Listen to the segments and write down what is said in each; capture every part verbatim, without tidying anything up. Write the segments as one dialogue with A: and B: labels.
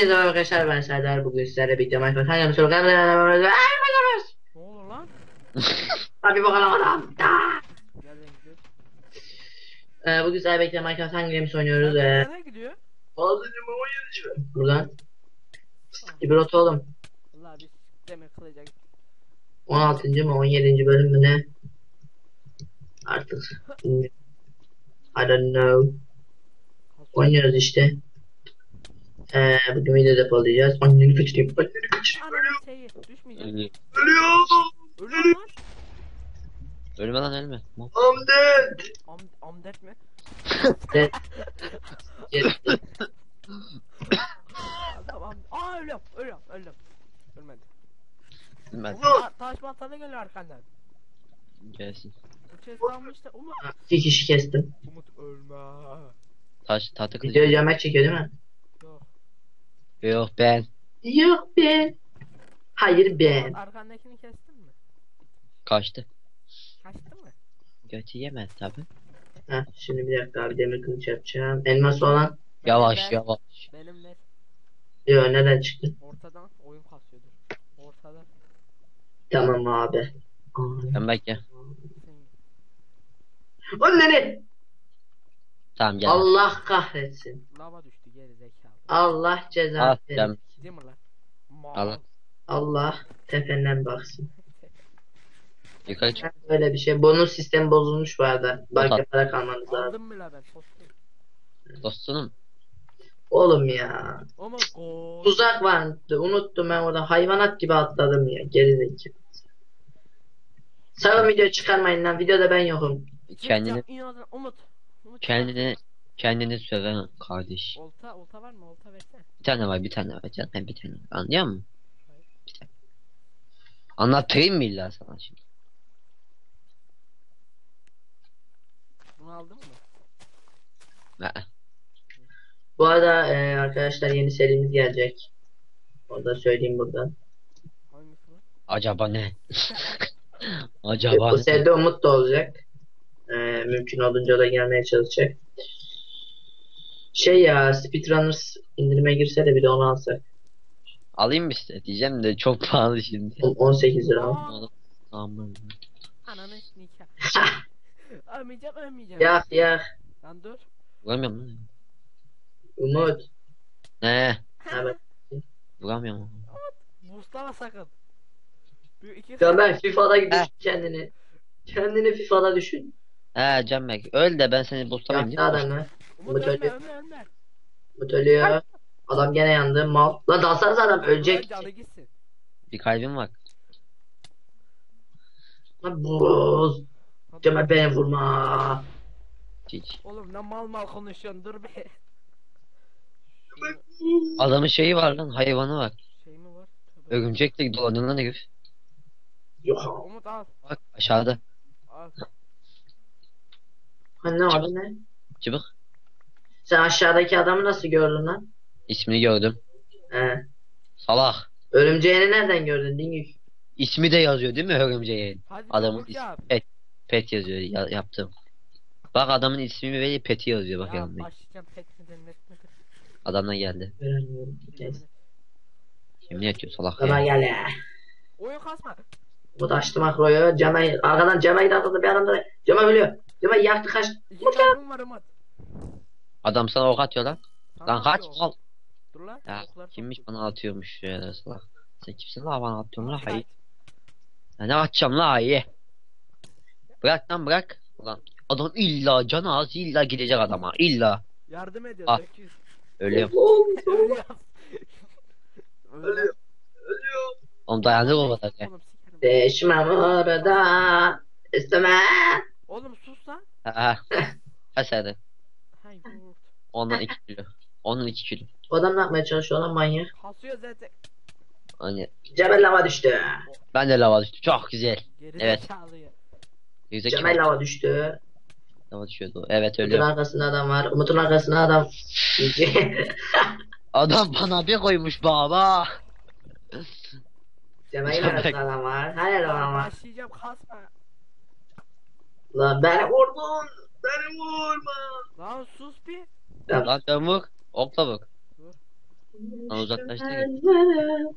A: Hepinize merhaba arkadaşlar, ben Serdar. Bugün sizlerle birlikte Minecraft hangi soru kaldı?
B: Ne olur lan?
A: Hadi bakalım adam.
B: Nereden gidiyor?
A: Ee, bugün sizlerle birlikte Minecraft hangi games oynuyoruz?
B: Serdar
A: Ee,
B: nereye gidiyor?
A: altıncı mı on yedinci mi? Buradan.
B: Ah,
A: İbrot oğlum.
B: vallahi biz demir kılacak.
A: on altıncı mı on yedinci bölüm mü ne? Artık. bilmiyorum. I don't know. Oynuyoruz işte. Ee, bugün video depolayacağız. Anneni kaçırayım. Anneni kaçırayım.
B: Ananın şeyi düşmeyecek.
C: Ölü.
A: Ölüyor.
B: Ölüyor lan.
C: Ölme lan ölme.
A: I'm dead.
B: Am amdet mi?
A: Dead. Dead.
B: Adam am Aa ölüyorum ölüyorum öldüm. Ölmedi.
C: Ölmez.
B: Ta taş baltalı geliyor arkandan.
C: Gelsin.
B: Bu chest almış da Umut.
A: İki kişi kestim.
B: Umut ölme.
C: Taş tahta kılıç.
A: Video Cemal çekiyor değil mi?
B: Yok.
C: Yok ben.
A: Yok be. Hayır ben.
B: Umut arkandakini kestin mi?
C: Kaçtı.
B: Kaçtı mı?
C: Götü yemez tabi.
A: Heh, şimdi bir dakika abi demir kılıç yapacağım. Elmas olan.
C: Yavaş
B: Benim ver,
C: yavaş.
B: Benim ver.
A: Yo nereden çıktı?
B: Ortadan oyun kasıyordur. Ortadan.
A: Tamam abi.
C: Ben bekle.
B: Sen
A: Anneni.
C: Tamam gel.
A: Allah kahretsin.
B: lava düştü geri zekalı.
A: Allah ceza
C: Al
A: verir.
C: canım.
B: Değil mi lan? Mal.
C: Al.
A: Allah tependen baksın.
C: Yukarı çık.
A: Böyle bir şey. Bonus sistemi bozulmuş bu arada. Banka para kalmanız lazım.
B: Aldım mı la ben soslu?
C: Dostum.
A: Oğlum ya.
B: Ama gol.
A: Tuzak vardı. Unuttum ben orada. Hayvanat gibi atladım ya. Gerizekalı. Sakın video çıkarmayın lan. Videoda ben yokum.
C: Kendini
B: İnadına Umut. Umut
C: kendini kendini söven kardeş.
B: Olta olta var mı? Olta versene.
C: Bir tane var bir tane var canım bir tane var. Anlıyor musun? Bir tane. Anlatayım mı illa sana şimdi?
B: Bunu aldın mı?
C: Ha.
A: Bu arada e, arkadaşlar yeni serimiz gelecek. Onu da söyleyeyim buradan.
B: Hangisi lan?
C: Acaba ne?
A: E,
C: Acaba
A: bu
C: ne?
A: seride Umut da olacak. E, mümkün olduğunca da gelmeye çalışacak. Şey ya, Speedrunners indirime girse de bir de onu alsak.
C: Alayım mı işte diyeceğim de çok pahalı şimdi.
A: on- 18 lira.
B: Aa,
C: Aman.
B: ananı nikah. Ölmeyeceğim ölmeyeceğim.
A: Yak yak.
B: Lan dur.
C: Vuramıyorum lan.
A: Umut.
C: Ne?
A: Evet.
C: Vuramıyorum.
B: Boostlama sakın. Bir iki
A: Ya ben FIFA'da düşün
C: Heh.
A: kendini. Kendini FIFA'da düşün.
C: He Canberk öl de ben seni boostlamayayım
A: Yaktı
C: değil mi?
A: adamı.
B: Umut
A: Umut
B: ölme
A: ölüyor.
B: ölme ölme.
A: Umut ölüyor. Adam gene yandı. Mal. Lan dalsanız adam ölecek.
B: Canı gitsin.
C: Bir kalbim var.
A: Lan boz. Cemal beni vurma.
C: Hiç.
B: Oğlum ne mal mal konuşuyorsun dur be.
C: Adamın şeyi var lan hayvanı var.
B: Şey mi var? Tövbe.
C: Örümcekle dolanıyor lan herif.
A: Yok.
B: Umut al.
C: Bak aşağıda.
B: Al.
A: Ha, ne oldu ne?
C: Çıbık.
A: Sen aşağıdaki adamı nasıl gördün lan?
C: İsmini gördüm.
A: He.
C: Salak.
A: Örümceğini nereden gördün Dingük?
C: İsmi de yazıyor değil mi örümceğin?
B: Hadi
C: Adamın
B: çabuk
C: ismi
B: yap.
C: pet. Pet yazıyor ya, yaptım. Bak adamın ismi ve peti yazıyor bak
B: Ya
C: yanında.
B: başlayacağım pek midir net midir?
C: Adamla geldi.
A: Göremiyorum. Neyse.
C: Yemin ediyor salak
A: Baba
C: ya.
A: gel ya.
B: Oyun kasma.
A: Umut açtı makroyu. Cemal arkadan Cemal'i de atladı bir adam da. Cemal ölüyor. Cemal yaktı kaç.
B: İki kalbim var Umut.
C: Adam sana ok atıyor lan.
B: Sana
C: Lan kaç
B: atıyor.
C: al.
B: Dur lan.
C: Ya
B: oklar
C: kimmiş
B: çok-
C: bana atıyormuş ya salak. Sen kimsin la bana atıyorsun la
B: Kaç.
C: hayır. Ya ne atacağım la hayır. Bırak lan bırak. Ulan adam illa canı az illa gidecek adama illa.
B: Yardım ediyor.
C: Ah.
B: Döküz.
C: Ölüyorum.
B: Öyle yap. Öyle yap.
C: Oğlum dayanır o kadar ya.
B: Oğlum sikerim.
A: Değişmem orada. İsteme.
B: Oğlum sus lan.
C: Ha ha. Ha sen de.
B: Hay yurt.
C: Ondan iki kilo. Onun iki kilo.
A: O adam ne yapmaya çalışıyor lan manyak?
B: Kasıyor zaten.
C: Hani
A: Cemal lava düştü.
C: ben de lava düştüm. Çok güzel.
B: Geri
C: Evet.
B: zekalı ya.
C: Yüzde
A: Cemal lava düştü.
C: lava düşüyordu. Evet
A: Umut'un
C: ölüyor.
A: arkasında adam var. Umut'un arkasında adam.
C: Adam bana bir koymuş baba.
A: Cemal'in arkasında adam var. Her yerde adam var.
B: Başlayacağım kasma.
A: Lan beni vurdun. Beni vurma.
B: Lan sus bir.
A: Tamam.
C: Lan çabuk. Okla bak. Lan uzaklaştı ki.
A: Elleri,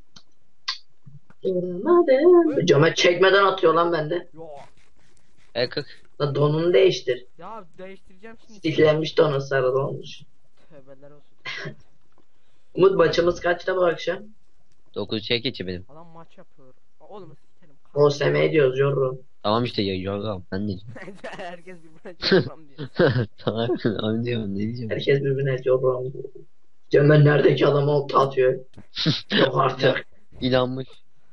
A: duramadım. Camet çekmeden atıyor lan bende.
B: Yo.
C: E kırk.
A: Lan donunu değiştir.
B: Ya değiştireceğim şimdi.
A: Stiklenmiş donun sarılı olmuş.
B: Tövbeler olsun.
A: Umut maçımız kaçta bu akşam?
C: dokuz şey geçi benim.
B: Adam maç yapıyor. Oğlum sikerim.
A: O seme ediyoruz yorum.
C: Tamam işte ya yorgam ben de.
B: Herkes birbirine çarpam diyor.
C: Tamam abi diyorum ne diyeceğim.
A: Herkes birbirine yorum. Cemal neredeki adama olta atıyor. Yok artık.
C: İnanmış.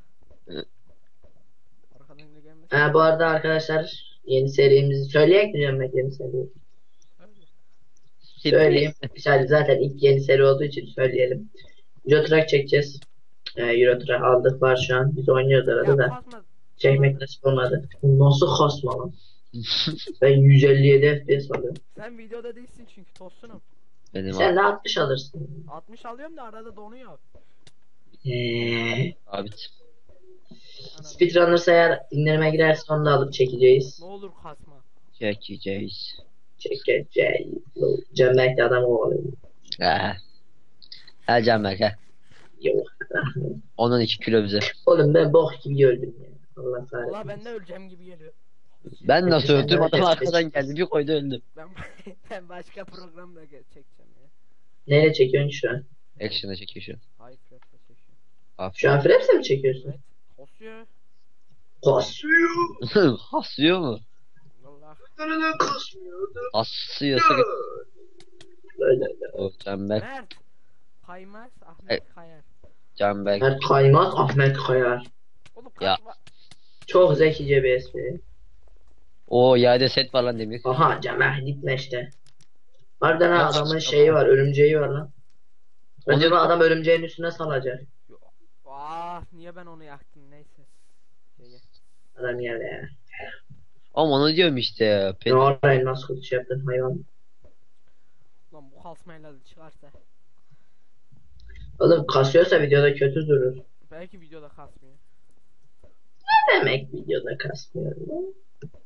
B: Arkadan da gelmesin.
A: Ha, bu arada arkadaşlar yeni serimizi söyleyecek mi Cemal yeni seriyi? Söyleyeyim. Sadece zaten ilk yeni seri olduğu için söyleyelim. Euro Truck çekeceğiz. Ee, Euro Truck aldık var şu an. Biz oynuyoruz arada
B: Ya
A: da.
B: kasma.
A: Çekmek nasip olmadı. Nasıl kasma lan? Ben yüz elli yedi F P S alıyorum.
B: Sen videoda değilsin çünkü tostunum.
C: Benim
A: Sen de altmış alırsın.
B: altmış alıyorum da arada donuyor.
A: Eee.
C: abi.
B: Anam.
A: Speedrunners eğer indirime girerse onu da alıp çekeceğiz.
B: Ne olur kasma.
C: Çekeceğiz.
A: Çekeceğiz. Cömertli adam oluyor.
C: Ha. Her can ver he.
A: Yok.
C: Ondan iki kilo bize.
A: Oğlum ben bok gibi öldüm ya. Allah kahretsin.
B: Valla ben de öleceğim gibi geliyor.
C: Ben nasıl
A: Sen
C: öldüm adam
A: herkes
C: arkadan geldi bir koydu öldüm.
B: Ben ben başka programda ge- çekeceğim ya.
A: Neyle çekiyorsun şu an?
C: Action'a çekiyor şu an.
B: Hayır Fred'le çekiyorum.
A: Şu an Fraps'e mi çekiyorsun?
B: Evet. Kasıyor.
A: Kasıyor.
C: Hasıyor mu?
B: Valla.
A: Neden kasmıyor?
C: Hasıyorsa
A: Böyle öyle.
C: o Canberk.
B: Mert. Kaymaz Ahmet
C: Evet.
B: Kayar.
C: Canberk.
A: Mert Kaymaz, Ahmet Kayar.
B: Oğlum
C: Ya.
B: kasma.
A: Çok zekice bir espri.
C: O yerde set var lan demir.
A: Aha Cemal gitme işte. Harbiden ha,
C: Nasıl
A: adamın
C: çıktı
A: şeyi
C: ama?
A: var, örümceği var lan.
C: Onu-
A: Acaba adam örümceğin üstüne salacak.
B: Ah niye ben onu yaktım neyse. Şey,
A: Adam yerde ya.
C: Ama onu diyorum işte. Pet.
A: Ne orayı nasıl kötü şey yaptın hayvan.
B: Lan bu kasmayla da çıkarsa.
A: Oğlum kasıyorsa videoda kötü durur.
B: Belki videoda kasmıyor.
A: Ne demek videoda kasmıyor lan?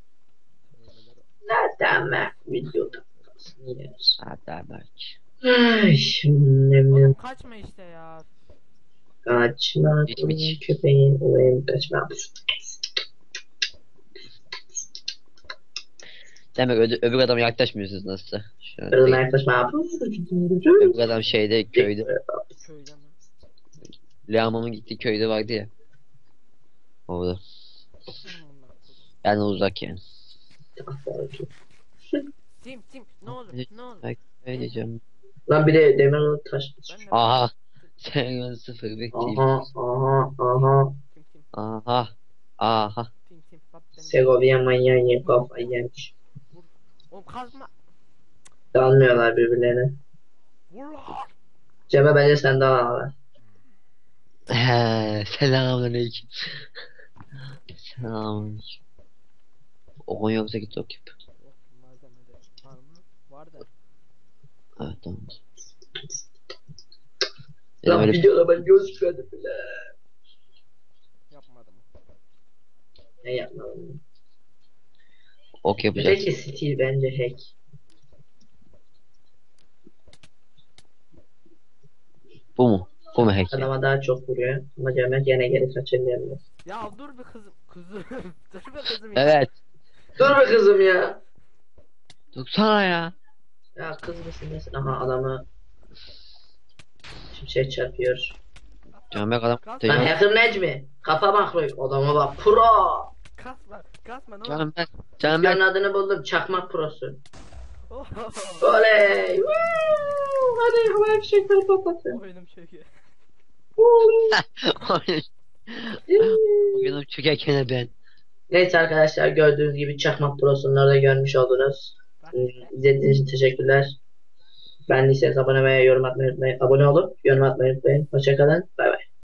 A: Ne demek videoda kasmıyor?
C: Ha Canberk.
A: Ay şimdi
B: Oğlum kaçma işte ya.
A: kaçma
C: Hiç mi hiç?
A: köpeğin olayım kaçma.
C: Demek öde, öbür adama yaklaşmıyorsunuz nasılsa. Şu an
A: Kırılma
C: değil.
A: yaklaşma.
C: Öbür adam şeyde köyde.
B: Köyde mi?
C: Leamon'un gittiği köyde vardı ya. Orada.
B: Aman Allah'ım.
C: Yani uzak yani.
B: Tim tim ne olur ne olur.
C: Bak ne diyeceğim.
A: Lan bir de demir taş.
B: Ben de
C: Aha. Sen sıfır bekleyeyim.
A: Aha aha aha.
B: tim tim
C: Aha. Aha.
B: tim tim. Bak ben
A: Segovia manyağı yiyip kafayı yemiş.
B: Oğlum kasma.
A: Dalmıyorlar birbirlerine.
B: Vur lan.
A: Cebe bence sen daha var.
C: He, selamünaleyküm. Selamünaleyküm. O yoksa git okuyup.
B: Yok malzemede var mı? Var da.
C: Evet tamam.
A: Lan
C: Benim öyle
A: videoda ben gözükmedim bile.
B: Yapmadım.
A: Ne yapmadım.
C: ok yapacağız.
A: Peki stil bence hack.
C: Bu mu? Bu mu hack?
A: Adama daha çok vuruyor. Ama Cemal gene geri kaçırmayabilir.
B: Ya dur bir kızım. Kızım. dur bir kızım ya.
C: Evet.
A: Dur be kızım ya.
C: Dursana ya.
A: Ya kız mısın nesin? Aha adamı şimşek çarpıyor.
C: Canberk adam.
B: Kalk.
A: Lan
C: Tecavüz.
A: hacker Necmi. Kafa makro. Adama bak pro.
B: Kasma. Kasma ne olur.
C: Canberk.
A: Videonun
C: Canberk.
A: adını buldum. Çakmak prosu.
B: Oh,
A: Oley. Woo! Hadi havai fişekleri patlatın.
B: Oyunum çöküyor.
C: Bugün çökerken ben.
A: Neyse arkadaşlar gördüğünüz gibi Çakmak Pro'sunu orada görmüş oldunuz.
B: Bak
A: Hmm,
B: işte.
A: İzlediğiniz için teşekkürler. Beğendiyseniz abone ve yorum atmayı unutmayın. Abone olup yorum atmayı unutmayın. Hoşçakalın. Bay bay.